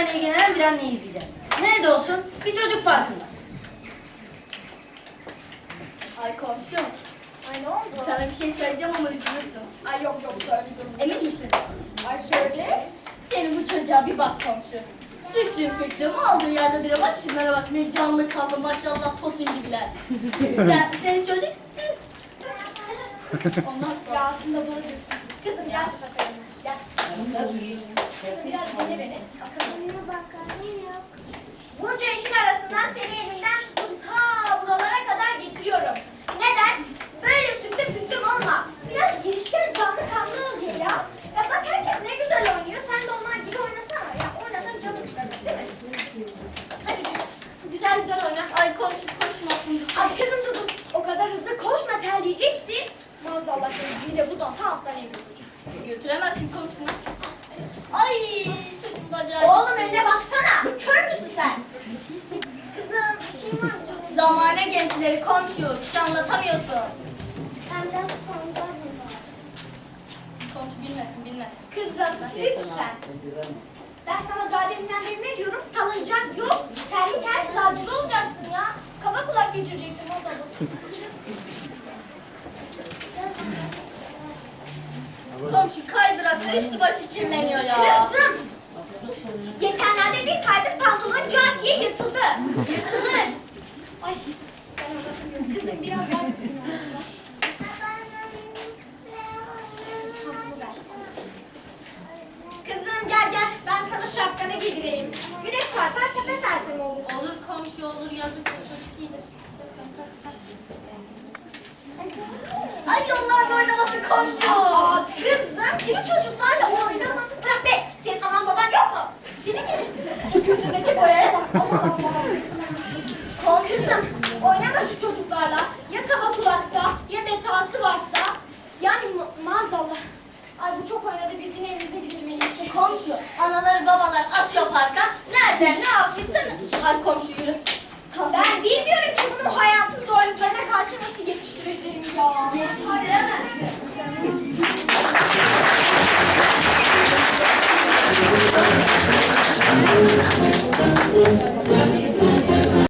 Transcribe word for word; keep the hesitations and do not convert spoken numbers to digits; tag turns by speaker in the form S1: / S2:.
S1: çocuklarla ilgilenen bir anneyi izleyeceğiz. Nerede olsun? Bir çocuk parkında.
S2: Ay komşum.
S3: Ay ne oldu?
S2: Sana bir şey söyleyeceğim ama üzülürsün.
S3: Ay yok yok söyleyeceğim.
S2: Emin misin?
S3: Ay söyle.
S2: Senin bu çocuğa bir bak komşu. Süklüm püklüm olduğu yerde duruyor. Bak şunlara bak ne canlı kanlı maşallah tosun gibiler. Sen, senin çocuk... Ondan
S3: Ya
S2: sonra...
S3: aslında doğru diyorsun. Kızım gel bakalım. Gel. Kızım biraz dinle beni. Akıllı bakalım yok. Bunca işin arasından seni elimden tutup ta buralara kadar getiriyorum. Neden? Böyle süklüm püklüm olma. Biraz girişken canlı kanlı ol diye ya. Ya bak herkes ne güzel oynuyor. Sen de onlar gibi oynasana. Ya oynasan canım çıkar değil mi? Hadi güzel güzel oyna.
S2: Ay komşu koşmasın.
S3: Ay kızım dur dur. O kadar hızlı koşma terleyeceksin. Maazallah seni bir de buradan ta hastaneye götüreceğim.
S2: Götüremezsin komşunu. Ay çocuğun bacağı.
S3: Oğlum önüne baksana. Kör müsün sen? Kızım bir şey var mı canım?
S2: Zamane gençleri komşu. Bir şey anlatamıyorsun.
S3: Ben biraz sancağım burada.
S2: Komşu bilmesin bilmesin.
S3: Kızım lütfen. Ben sana daha deminden beri ne diyorum? Salıncak yok. Terli terli zatürre olacaksın ya. Kaba kulak geçireceksin o da bu.
S2: Komşu kaydırak üstü başı kirleniyor ya.
S3: Kızım. Geçenlerde bir kaydı pantolon cart diye yırtıldı.
S2: Yırtılır.
S3: Ay. Ben anlatamıyorum. Kızım biraz daha üstüne alsana. Çantamı ver. Kızım gel gel. Ben sana şapkanı giydireyim. Güneş çarpar tepe sersem olur.
S2: Olur komşu olur yazık koşursuydu. Ay yollarda oynaması komşu.
S3: Aa, kızım gibi çocuklarla oynama. Bırak be. Senin anan baban yok mu? Senin gibi. Şu gözündeki boyaya bak. Aman Allah'ım.
S2: Komşu.
S3: Kızım oynama şu çocuklarla. Ya kaba kulaksa ya metası varsa. Yani ma maazallah. Ay bu çok oynadı biz yine evimize gidelim en iyisi.
S2: Komşu anaları babalar atıyor parka. Nereden ne yaptıysan. Ay komşu yürü.
S3: Ben bilmiyorum ki bunun hayatın zorluklarına karşı nasıl yetiştireceğim ya.
S2: Yetiştiremezsin.